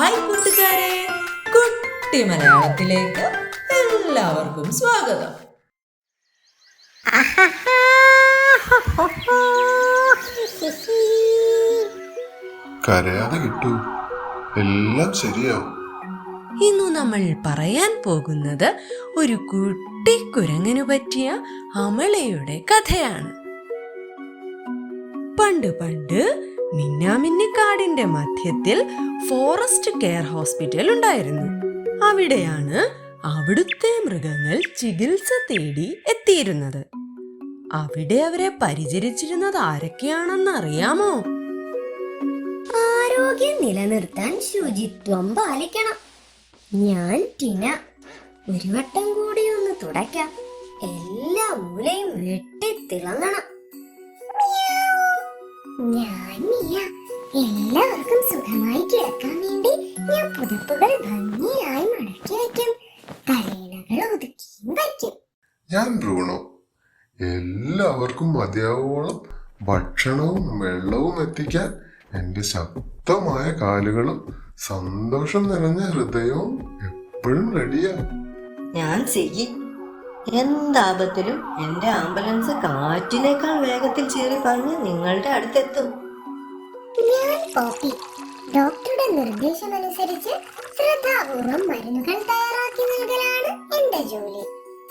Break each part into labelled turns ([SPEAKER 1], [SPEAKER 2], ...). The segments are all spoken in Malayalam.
[SPEAKER 1] ഹായ് കൂട്ടുകാരെ, കുട്ടി മലയാളത്തിലേക്ക് എല്ലാവർക്കും സ്വാഗതം.
[SPEAKER 2] കരയാതെ കിട്ടൂ, എല്ലാം ശരിയാവും.
[SPEAKER 1] ഇന്നു നമ്മൾ പറയാൻ പോകുന്നത് ഒരു കുട്ടി കുരങ്ങനു പറ്റിയ അമളയുടെ കഥയാണ്. പണ്ട് പണ്ട് മിന്നാമിന്നിക്കാടിന്റെ മധ്യത്തിൽ ഫോറസ്റ്റ് കെയർ ഹോസ്പിറ്റൽ ഉണ്ടായിരുന്നു. അവിടെയാണ് അവിടുത്തെ മൃഗങ്ങൾ ചികിത്സ തേടി എത്തിയിരുന്നത്. അവിടെ അവരെ പരിചരിച്ചിരുന്നത് ആരൊക്കെയാണെന്ന് അറിയാമോ?
[SPEAKER 3] ആരോഗ്യം നിലനിർത്താൻ ശുചിത്വം പാലിക്കണം. ഞാൻ ടിന. ഒരു വട്ടം കൂടി ഒന്ന് തുടയ്ക്കാം. എല്ലാ മൂലയും വെട്ടിത്തിളങ്ങണം. ഞാൻ മിയ. എല്ലാവർക്കും സുഖമായി കിടക്കാൻ വേണ്ടി ഞാൻ പുതപ്പുകൾ ഭംഗിയായി മടക്കി വയ്ക്കും. തലയിണകൾ ഒതുക്കിയും വയ്ക്കും.
[SPEAKER 2] ഞാൻ ബ്രൂണോ. എല്ലാവർക്കും മതിയാവോളം ഭക്ഷണവും വെള്ളവും എത്തിക്കാൻ എന്റെ ശക്തമായ കാലുകളും സന്തോഷം നിറഞ്ഞ ഹൃദയവും എപ്പോഴും റെഡിയാ.
[SPEAKER 4] ഞാൻ സിഗി. എന്താപത്തിലും എന്റെ ആംബുലൻസ് കാറ്റിനേക്കാൾ വേഗത്തിൽ ചീറി പറഞ്ഞ് നിങ്ങളുടെ അടുത്തെത്തും.
[SPEAKER 3] ഞാൻ പോപ്പി. ഡോക്ടറുടെ നിർദ്ദേശമനുസരിച്ച് ശ്രദ്ധാപൂർവം മരുന്നുകൾ തയ്യാറാക്കി നൽകലാണ് എന്റെ ജോലി.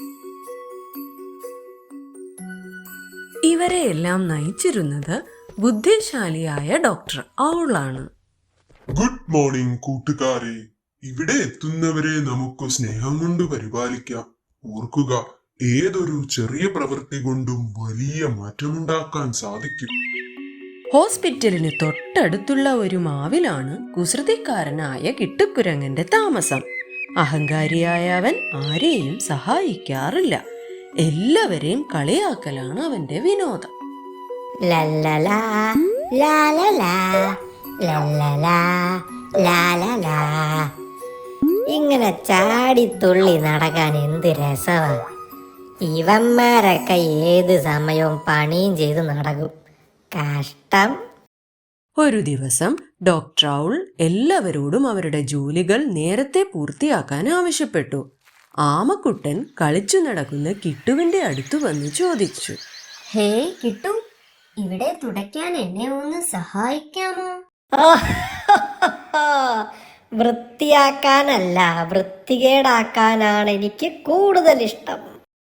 [SPEAKER 1] ഇവരെയെല്ലാം നയിച്ചിരുന്നത് ബുദ്ധിശാലിയായ ഡോക്ടർ ഔളാണ്.
[SPEAKER 5] ഗുഡ് മോർണിംഗ് കൂട്ടുകാരെ. ഇവിടെ എത്തുന്നവരെ നമുക്ക് സ്നേഹം കൊണ്ട് പരിപാലിക്കാം. ഓർക്കുക, ഏതൊരു ചെറിയ പ്രവൃത്തി കൊണ്ടും വലിയ മാറ്റമുണ്ടാക്കാൻ സാധിക്കും.
[SPEAKER 1] ഹോസ്പിറ്റലിന് തൊട്ടടുത്തുള്ള ഒരു മാവിലാണ് കുസൃതിക്കാരനായ കിട്ടുക്കുരങ്ങന്റെ താമസം. അഹങ്കാരിയായ അവൻ ആരെയും സഹായിക്കാറില്ല. എല്ലാവരെയും കളിയാക്കലാണ് അവന്റെ വിനോദം.
[SPEAKER 3] ലല്ലലാ, ലാലലാ, ലല്ലലാ, ലാലലാ. ഇങ്ങനെ ചാടിത്തുള്ളി നടക്കാൻ എന്ത് രസമാ. ഇവന്മാരൊക്കെ ഏത് സമയവും പണിയും ചെയ്ത് നടക്കും. കഷ്ടം.
[SPEAKER 1] ഒരു ദിവസം ഡോക്ടർ ഔൾ എല്ലാവരോടും അവരുടെ ജോലികൾ നേരത്തെ പൂർത്തിയാക്കാൻ ആവശ്യപ്പെട്ടു. ആമക്കുട്ടൻ കളിച്ചു നടക്കുന്ന കിട്ടുവിന്റെ അടുത്ത് വന്ന് ചോദിച്ചു,
[SPEAKER 3] ഹേ കിട്ടു, ഇവിടെ തുടയ്ക്കാൻ എന്നെ ഒന്ന് സഹായിക്കാമോ? വൃത്തിയാക്കാനല്ല, വൃത്തികേടാക്കാനാണ് എനിക്ക് കൂടുതൽ ഇഷ്ടം.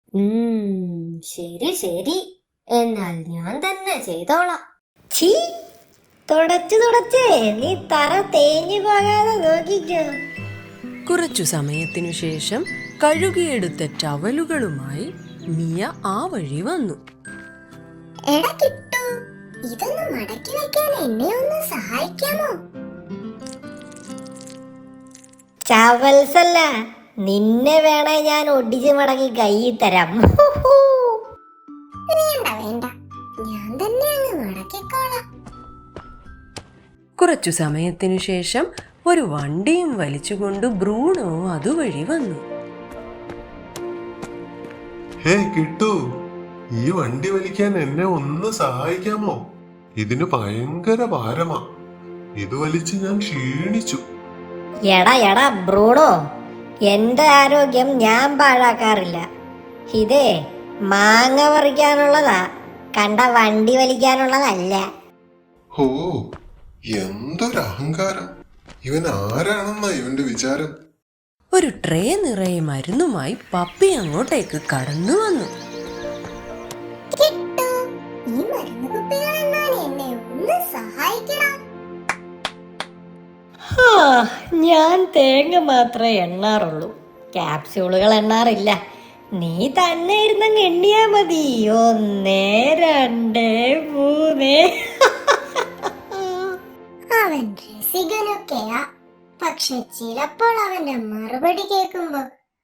[SPEAKER 3] ശരി ശരി, എന്നാൽ ഞാൻ തന്നെ ചെയ്തോളാം. ഛീ, തുടച്ചേ നീ തറ തേഞ്ഞു പോകാതെ നോക്കിക്കോ.
[SPEAKER 1] കുറച്ചു സമയത്തിനു ശേഷം കഴുകിയെടുത്ത ടവലുകളുമായി മിയ ആ വഴി വന്നു.
[SPEAKER 3] എടാ കിട്ടു, ഇതൊന്ന് മടക്കി വെക്കാൻ എന്നെ ഒന്ന് സഹായിക്കാമോ? ചവൽസല്ല, നിന്നെ വേണേ ഞാൻ ഒടിച്ചു മടങ്ങി കൈ തരാം. വേണ്ട വേണ്ട, ഞാൻ തന്നെ അങ്ങ് മടക്കിക്കോളാം.
[SPEAKER 1] കുറച്ചു സമയത്തിനു ശേഷം ഒരു വണ്ടിയും വലിച്ചുകൊണ്ട് ബ്രൂണോ അതുവഴി വന്നു.
[SPEAKER 2] ഹേ കിട്ടൂ, ഈ വണ്ടി വലിക്കാൻ എന്നെ ഒന്ന് സഹായിക്കാമോ? ഇതിന് ഭയങ്കര ഭാരമാ. ഇത് വലിച്ച് ഞാൻ ക്ഷീണിച്ചു.
[SPEAKER 3] എടാ ബ്രൂണോ, എന്റെ ആരോഗ്യം ഞാൻ പാഴാക്കാറില്ല. ഇതേ മാങ്ങ പറിക്കാനുള്ളതാ, കണ്ട വണ്ടി വലിക്കാനുള്ളതല്ല.
[SPEAKER 2] ഓ, എന്തൊരു അഹങ്കാരം! ഇവൻ ആരാണെന്നാ ഇവന്റെ വിചാരം?
[SPEAKER 1] ഒരു ട്രേ നിറയെ മരുന്നുമായി പപ്പി അങ്ങോട്ടേക്ക് കടന്നു വന്നു.
[SPEAKER 3] ഈ മരുന്ന് കുപ്പികൾ എന്നാൽ എന്നെ ഒന്ന് സഹായിക്കണം. ഞാൻ തേങ്ങ മാത്രമേ എണ്ണാറുള്ളൂ, ക്യാപ്സ്യൂളുകൾ എണ്ണാറില്ല. നീ തന്നെ ഇരുന്നങ്ങ് എണ്ണിയാ മതി. 1 2 3. അവൻ രസികനൊക്കെയാ, പക്ഷെ ചിലപ്പോൾ അവന്റെ മറുപടി കേൾക്കുമ്പോ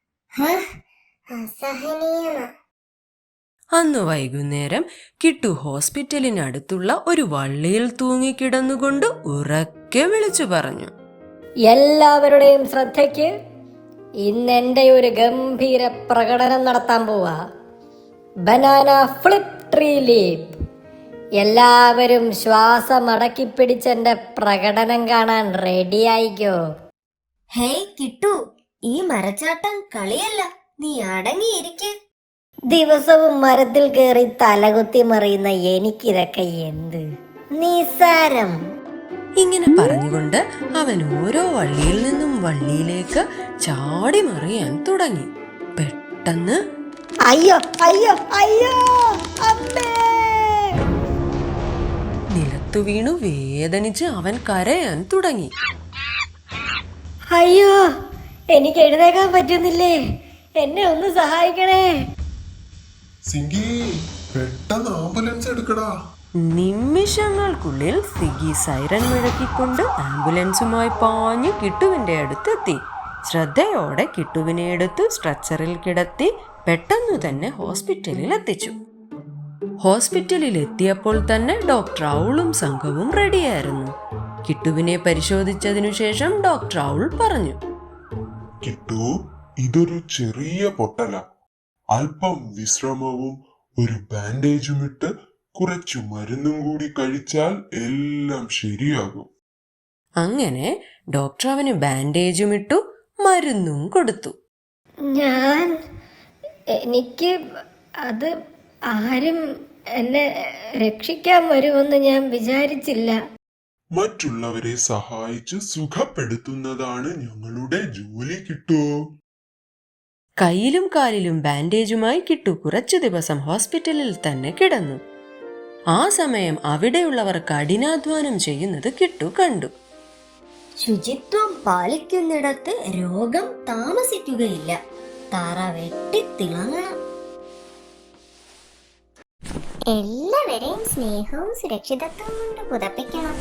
[SPEAKER 3] അസഹനീയമാ.
[SPEAKER 1] അന്ന് വൈകുന്നേരം കിട്ടു ഹോസ്പിറ്റലിനടുത്തുള്ള ഒരു വള്ളിയിൽ തൂങ്ങിക്കിടന്നുകൊണ്ട് ഉറക്കെ വിളിച്ചു പറഞ്ഞു,
[SPEAKER 3] എല്ലാവരുടെയും ശ്രദ്ധയ്ക്ക്, ഇന്ന് എന്റെ ഒരു ഗംഭീര പ്രകടനം നടത്താൻ പോവാ. Banana flip tree leap. എല്ലാവരും ശ്വാസം അടക്കി പിടിച്ചെന്റെ പ്രകടനം കാണാൻ റെഡി ആയിക്കോ. ഹേയ് കിട്ടു, ഈ മരച്ചാട്ടം കളിയല്ല, നീ അടങ്ങിയിരിക്ക്. ദിവസവും മരത്തിൽ കയറി തലകുത്തി മറിയുന്ന എനിക്കിതൊക്കെ എന്ത് നിസാരം.
[SPEAKER 1] ഇങ്ങനെ പറഞ്ഞുകൊണ്ട് അവൻ ഓരോ വള്ളിയിൽ നിന്നും വള്ളിയിലേക്ക് ചാടി മറിയാൻ തുടങ്ങി. പെട്ടെന്ന്
[SPEAKER 3] അയ്യോ അയ്യോ അയ്യോ അമ്മേ!
[SPEAKER 1] നിലത്തു വീണു വേദനിച്ച് അവൻ കരയാൻ തുടങ്ങി.
[SPEAKER 3] അയ്യോ, എനിക്ക് എഴുന്നേക്കാൻ പറ്റുന്നില്ലേ, എന്നെ ഒന്ന് സഹായിക്കണേ.
[SPEAKER 2] സിങ്കി, പെട്ടെന്ന് ആംബുലൻസ് എടുക്കടാ.
[SPEAKER 1] നിമിഷങ്ങൾക്കുള്ളിൽ സിഗി സൈറൻ മുഴക്കിക്കൊണ്ട് ആംബുലൻസുമായി പാഞ്ഞു കിട്ടുവിന്റെ അടുത്തെത്തി. ശ്രദ്ധയോടെ കിട്ടുവിനെ എടുത്ത് സ്ട്രെച്ചറിൽ കിടത്തി പെട്ടെന്നു തന്നെ ഹോസ്പിറ്റലിൽ എത്തിച്ചു. ഹോസ്പിറ്റലിൽ എത്തിയപ്പോൾ തന്നെ ഡോക്ടർ ഔളും സംഘവും റെഡിയായിരുന്നു. കിട്ടുവിനെ പരിശോധിച്ചതിനു ശേഷം ഡോക്ടർ ഔൾ പറഞ്ഞു,
[SPEAKER 5] കിട്ടു, ഇതൊരു ചെറിയ പൊട്ടല. അല്പം വിശ്രമവും ഒരു ബാൻഡേജും ഇട്ട് കുറച്ചു മരുന്നും കൂടി കഴിച്ചാൽ എല്ലാം ശരിയാകും.
[SPEAKER 1] അങ്ങനെ ഡോക്ടർ അവന് ബാൻഡേജും ഇട്ടു, മരുന്നും കൊടുത്തു.
[SPEAKER 3] എനിക്ക് അത് ആരും എന്നെ രക്ഷിക്കാൻ വരുമെന്ന് ഞാൻ വിചാരിച്ചില്ല.
[SPEAKER 5] മറ്റുള്ളവരെ സഹായിച്ച് സുഖപ്പെടുത്തുന്നതാണ് ഞങ്ങളുടെ ജോലി. കിട്ടു.
[SPEAKER 1] കയ്യിലും കാലിലും ബാൻഡേജുമായി കിട്ടു കുറച്ചു ദിവസം ഹോസ്പിറ്റലിൽ തന്നെ കിടന്നു. ആ സമയം അവിടെയുള്ളവർ കഠിനാധ്വാനം ചെയ്യുന്നത് കിട്ടു കണ്ടു.
[SPEAKER 3] ശുചിത്വം പാലിക്കുന്നിടത്ത് രോഗം താമസിക്കുകയില്ല. തറ വെട്ടിത്തിളങ്ങണം. എല്ലാവരെയും സ്നേഹവും സുരക്ഷിതത്വം കൊണ്ട് പുതപ്പിക്കണം.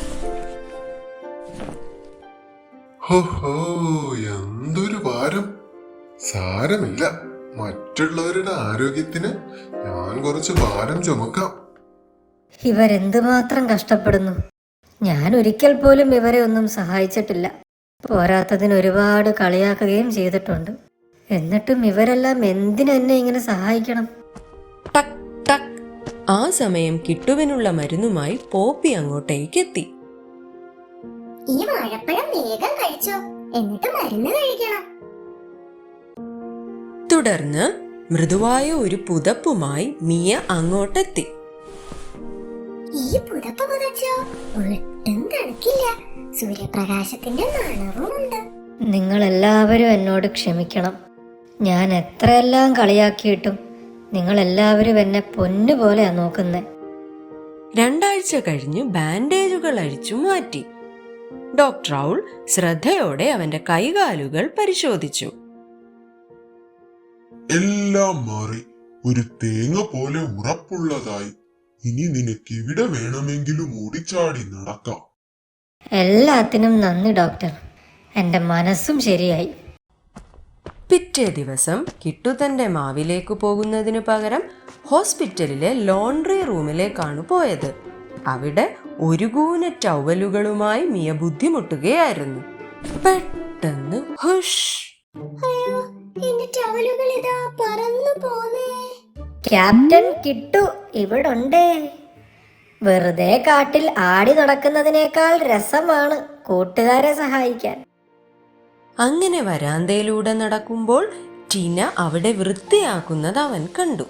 [SPEAKER 2] ഹോ, എന്തൊരു ഭാരം. സാരമില്ല, മറ്റുള്ളവരുടെ ആരോഗ്യത്തിന് ഞാൻ കുറച്ച് ഭാരം ചുമക്കാം.
[SPEAKER 3] ഇവരെന്തുമാത്രം കഷ്ടപ്പെടുന്നു. ഞാൻ ഒരിക്കൽ പോലും ഇവരെ ഒന്നും സഹായിച്ചിട്ടില്ല. പോരാത്തതിന് ഒരുപാട് കളിയാക്കുകയും ചെയ്തിട്ടുണ്ട്. എന്നിട്ടും ഇവരെല്ലാം എന്തിനെന്നെ ഇങ്ങനെ സഹായിക്കണം?
[SPEAKER 1] ടക് ടക്. ആ സമയം കിട്ടുവിനുള്ള മരുന്നുമായി പോപ്പി അങ്ങോട്ടേക്ക് എത്തി.
[SPEAKER 3] ഈ വാഴപ്പഴം വേഗം കഴിച്ചോ, എന്നിട്ട് മരുന്ന് കഴിക്കണം.
[SPEAKER 1] തുടർന്ന് മൃദുവായ ഒരു പുതപ്പുമായി മിയ അങ്ങോട്ടെത്തി.
[SPEAKER 3] ഈ പുതപ്പ് പുതച്ചോ, ഒട്ടും തണുക്കില്ല. സൂര്യപ്രകാശത്തിന്റെ മണവുമുണ്ട്. നിങ്ങൾ എല്ലാവരും എന്നോട് ക്ഷമിക്കണം. ഞാൻ എത്രയെല്ലാം കളിയാക്കിയിട്ടും നിങ്ങൾ എല്ലാവരും എന്നെ പൊന്നുപോലെയാ നോക്കുന്നേ.
[SPEAKER 1] 2 ആഴ്ച കഴിഞ്ഞ് ബാൻഡേജുകൾ അഴിച്ചു മാറ്റി. ഡോക്ടർ ഔൾ ശ്രദ്ധയോടെ അവന്റെ കൈകാലുകൾ പരിശോധിച്ചു.
[SPEAKER 5] എല്ലാം മാറി ഒരു തേങ്ങ പോലെ ഉറപ്പുള്ളതായി. ഇനി നിനക്ക് എവിടെ വേണമെങ്കിലും ഓടിച്ചാടി നടക്കാം.
[SPEAKER 3] എല്ലാത്തിനും നന്ദി ഡോക്ടർ. എന്റെ മനസ്സും ശരിയായി.
[SPEAKER 1] പിറ്റേ ദിവസം കിട്ടു തന്റെ മാവിലേക്ക് പോകുന്നതിനു പകരം ഹോസ്പിറ്റലിലെ ലോണ്ട്രി റൂമിലേക്കാണ് പോയത്. അവിടെ ഒരു കൂന ടവലുകളുമായി മിയ ബുദ്ധിമുട്ടുകയായിരുന്നു. പെട്ടെന്ന് ഹുഷ്!
[SPEAKER 3] ക്യാപ്റ്റൻ കിട്ടു ഇവിടുണ്ടേ. വെറുതെ കാട്ടിൽ ആടി നടക്കുന്നതിനേക്കാൾ രസമാണ് കൂട്ടുകാരെ സഹായിക്കാൻ.
[SPEAKER 1] അങ്ങനെ വരാന്തയിലൂടെ നടക്കുമ്പോൾ ടീന അവിടെ വൃത്തിയാക്കുന്നത് അവൻ കണ്ടു.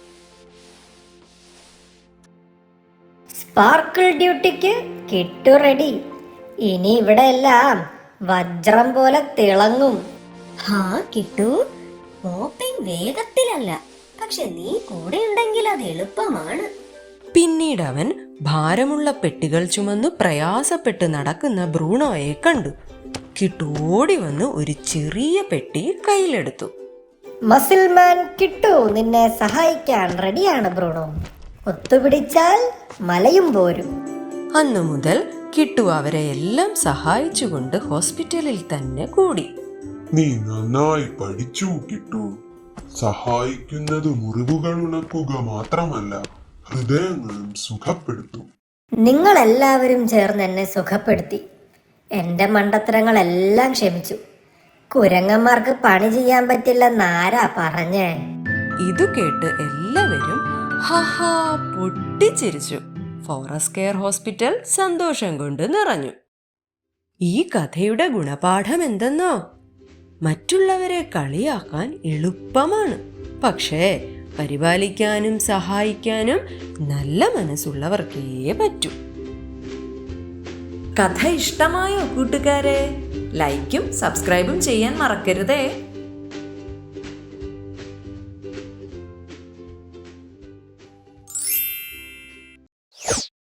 [SPEAKER 3] സ്പാർക്കിൾ ഡ്യൂട്ടിക്ക് കിട്ടു റെഡി. ഇനി ഇവിടെ എല്ലാം വജ്രം പോലെ തിളങ്ങും. ഹാ കിട്ടു, മോപ്പിംഗ് വേഗത്തിലല്ല, പക്ഷെ നീ കൂടെ ഉണ്ടെങ്കിൽ അത് എളുപ്പമാണ്.
[SPEAKER 1] പിന്നീട് അവൻ ഭാരമുള്ള പെട്ടികൾ ചുമന്നു പ്രയാസപ്പെട്ട് നടക്കുന്ന ബ്രൂണോയെ കണ്ടു. കിട്ടോടി വന്ന് ഒരു ചെറിയ പെട്ടി കയ്യിലെടുത്തു.
[SPEAKER 3] മസിൽമാൻ കിട്ടു നിന്നെ സഹായിക്കാൻ റെഡിയാണ് ബ്രൂണോ. ഒത്തുപിടിച്ചാൽ മലയും പോരും.
[SPEAKER 1] അന്നു മുതൽ കിട്ടു അവരെ എല്ലാം സഹായിച്ചുകൊണ്ട് ഹോസ്പിറ്റലിൽ തന്നെ കൂടി.
[SPEAKER 5] നീ നന്നായി പഠിച്ചു കിട്ടു. സഹായിക്കുന്നത് മുറിവുകൾ ഉണക്കുക മാത്രമല്ല, ഹൃദയങ്ങളും സുഖപ്പെടുത്തും.
[SPEAKER 3] നിങ്ങൾ എല്ലാവരും ചേർന്ന് എന്നെ സുഖപ്പെടുത്തി. എന്റെ മണ്ടത്തരങ്ങളെല്ലാം ക്ഷമിച്ചു. കുരങ്ങന്മാർക്ക് പണി ചെയ്യാൻ പറ്റില്ലെന്നാരാ പറഞ്ഞേ?
[SPEAKER 1] ഇതു കേട്ട് എല്ലാവരും ഹഹാ പൊട്ടിച്ചിരിച്ചു. ഫോറസ്റ്റ് കെയർ ഹോസ്പിറ്റൽ സന്തോഷം കൊണ്ട് നിറഞ്ഞു. ഈ കഥയുടെ ഗുണപാഠം എന്തെന്നോ? മറ്റുള്ളവരെ കളിയാക്കാൻ എളുപ്പമാണ്, പക്ഷേ പരിപാലിക്കാനും സഹായിക്കാനും നല്ല മനസ്സുള്ളവർക്കേ പറ്റൂ.
[SPEAKER 6] കഥ ഇഷ്ടമായോ കൂട്ടുകാരെ? ലൈക്കും സബ്സ്ക്രൈബും ചെയ്യാൻ മറക്കരുതേ.